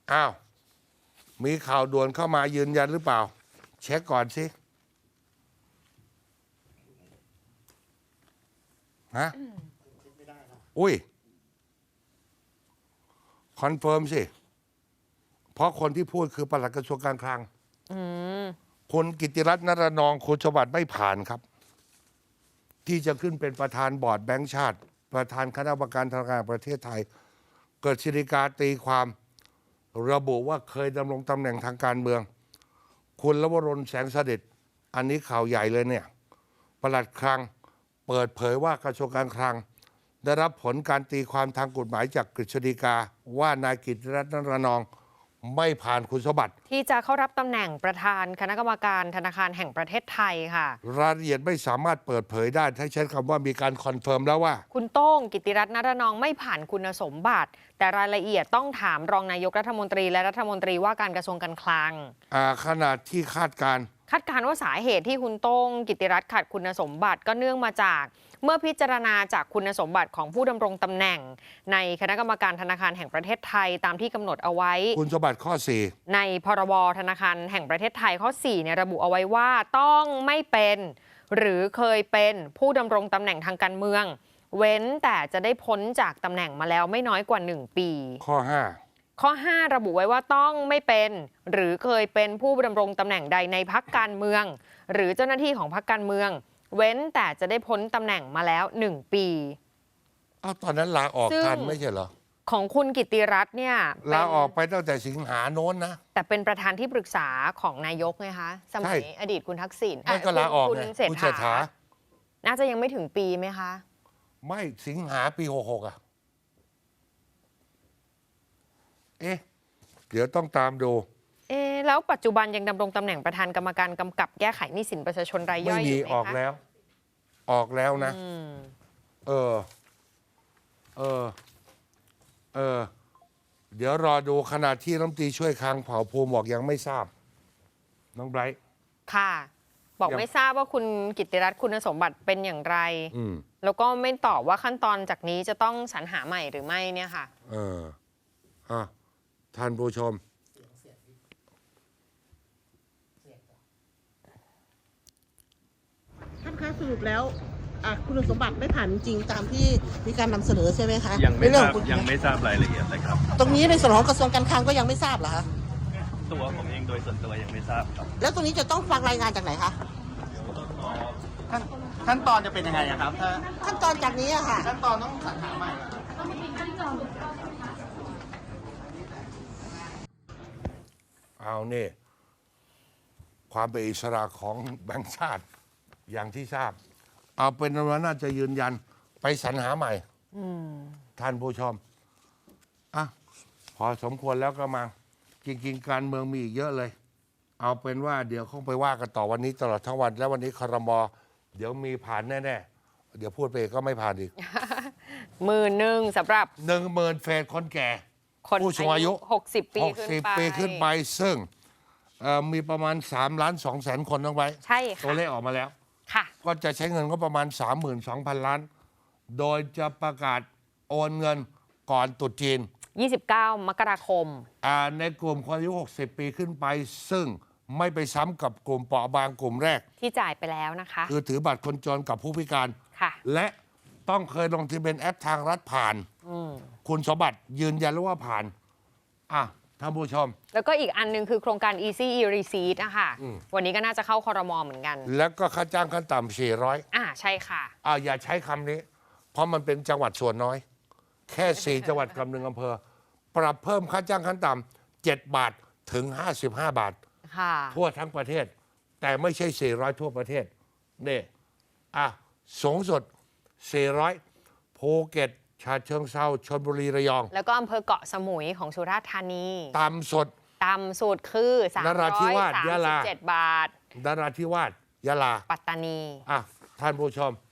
อ้าวมีข่าวด่วนเข้ามายืนยันหรือเปล่าเช็คก่อนสิฮะอุ้ยคอนเฟิร์มสิเพราะคนที่พูดคือปลัดกระทรวงการคลังคุณกิติรัตน์ นรนองค์คุณสวัสดิ์ไม่ผ่านครับที่จะขึ้นเป็นประธานบอร์ดแบงก์ชาติประธานคณะกรรมการธนาคารแห่งประเทศไทยเกิดฎีกาตีความระบุว่าเคยดำรงตำแหน่งทางการเมืองคุณลวรนต์แสงเสด็จอันนี้ข่าวใหญ่เลยเนี่ยปลัดคลังเปิดเผยว่ากระทรวงการคลังได้รับผลการตีความทางกฎหมายจากกฤษฎีกาว่านายกิติรัตน์ นรนองค์ไม่ผ่านคุณสมบัติที่จะเข้ารับตำแหน่งประธานคณะกรรมการธนาคารแห่งประเทศไทยค่ะรายละเอียดไม่สามารถเปิดเผยได้ถ้าใช้คำว่ามีการคอนเฟิร์มแล้วว่าคุณโต้งกิติรัตน์ นรนองค์ไม่ผ่านคุณสมบัติแต่รายละเอียดต้องถามรองนายกรัฐมนตรีและรัฐมนตรีว่าการกระทรวงการคลังขณะที่คาดการว่าสาเหตุที่คุณโต้งกิติรัตน์ขัดคุณสมบัติก็เนื่องมาจากเมื่อพิจารณาจากคุณสมบัติของผู้ดำรงตำแหน่งในคณะกรรมการธนาคารแห่งประเทศไทยตามที่กำหนดเอาไว้คุณสมบัติข้อ4 ในพรบธนาคารแห่งประเทศไทยข้อ4เนี่ยระบุเอาไว้ว่าต้องไม่เป็นหรือเคยเป็นผู้ดำรงตำแหน่งทางการเมืองเว้นแต่จะได้พ้นจากตำแหน่งมาแล้วไม่น้อยกว่า1 ปีข้อ 5ระบุไว้ว่าต้องไม่เป็นหรือเคยเป็นผู้ดำรงตำแหน่งใดในพรรคการเมืองหรือเจ้าหน้าที่ของพรรคการเมืองเว้นแต่จะได้พ้นตำแหน่งมาแล้ว1 ปีตอนนั้นลาออกทันไม่ใช่เหรอของคุณกิติรัตน์เนี่ยลาออกไปตั้งแต่สิงหาโน้นนะแต่เป็นประธานที่ปรึกษาของนายกไงคะสมัยอดีตคุณทักษิณก็ลาออกคุณเศรษฐาน่าจะยังไม่ถึงปีไหมคะไม่สิงหาปี66เดี๋ยวต้องตามดูแล้วปัจจุบันยังดำรงตำแหน่งประธานกรรมการกำกับแก้ไขหนี้สินประชาชนรายย่อยอยู่ไหมคะออกแล้วนะเดี๋ยวรอดูขณะที่รัฐมนตรีช่วยคลังเผ่าภูมิบอกยังไม่ทราบน้องไบรท์ค่ะบอกไม่ทราบว่าคุณกิติรัตน์คุณสมบัติเป็นอย่างไรแล้วก็ไม่ตอบว่าขั้นตอนจากนี้จะต้องสรรหาใหม่หรือไม่เนี่ยค่ะท่านผู้ชมท่านคะสรุปแล้วคุณสมบัติไม่ผ่านจริงตามที่มีการนำเสนอใช่ไหมคะยังไม่ทราบรายละเอียดเลยครับตรงนี้ในส่วนของกระทรวงการคลังก็ยังไม่ทราบเหรอคะตัวผมเองโดยส่วนตัวยังไม่ทราบครับแล้วตรงนี้จะต้องฟังรายงานจากไหนคะขั้นตอนจะเป็นยังไงครับขั้นตอนจากนี้อะค่ะขั้นตอนต้องสรรหาใหม่เอานี่ความเป็นอิสระของแบงก์ชาติอย่างที่ทราบเอาเป็นว่าน่าจะยืนยันไปสรรหาใหม่ท่านผู้ชมพอสมควรแล้วก็มาจริงๆการเมืองมีอีกเยอะเลยเอาเป็นว่าเดี๋ยวคงไปว่ากันต่อวันนี้ตลอดทั้งวันแล้ววันนี้ครม.เดี๋ยวมีผ่านแน่ๆเดี๋ยวพูดไปก็ไม่ผ่านอีก 10,000สำหรับ 10,000เฟสคนแก่ผู้สูงอายุ 60 ปีขึ้นไปซึ่งมีประมาณ3,200,000 คนต้องไว้ใช่ค่ะตัวเลขออกมาแล้วก็จะใช้เงินก็ประมาณ 32,000 ล้านโดยจะประกาศโอนเงินก่อนตรุษจีน 29 มกราคมในกลุ่มคนอายุ60 ปีขึ้นไปซึ่งไม่ไปซ้ำกับกลุ่มเปราะบางกลุ่มแรกที่จ่ายไปแล้วนะคะคือถือบัตรคนจนกับผู้พิการและต้องเคยลงทะเบียนแอปทางรัฐผ่านคุณสมบัติยืนยันแล้วว่าผ่านท่านผู้ชมแล้วก็อีกอันนึงคือโครงการ Easy E-Receipt นะคะวันนี้ก็น่าจะเข้าครม.เหมือนกันแล้วก็ค่าจ้างขั้นต่ำ400 ใช่ค่ะอย่าใช้คำนี้เพราะมันเป็นจังหวัดส่วนน้อยแค่4 จังหวัดกับ1 อำเภอปรับเพิ่มค่าจ้างขั้นต่ำ7 บาทถึง55 บาททั่วทั้งประเทศแต่ไม่ใช่400ทั่วประเทศนี่สูงสุด400ภูเก็ตฉะเชิงเทราชลบุรีระยองแล้วก็อำเภอเกาะสมุยของสุราษฎร์ธานีต่ำสุดคือนราธิวาสยะลา 337 บาทนราธิวาสยะลาปัตตานีท่านผู้ชม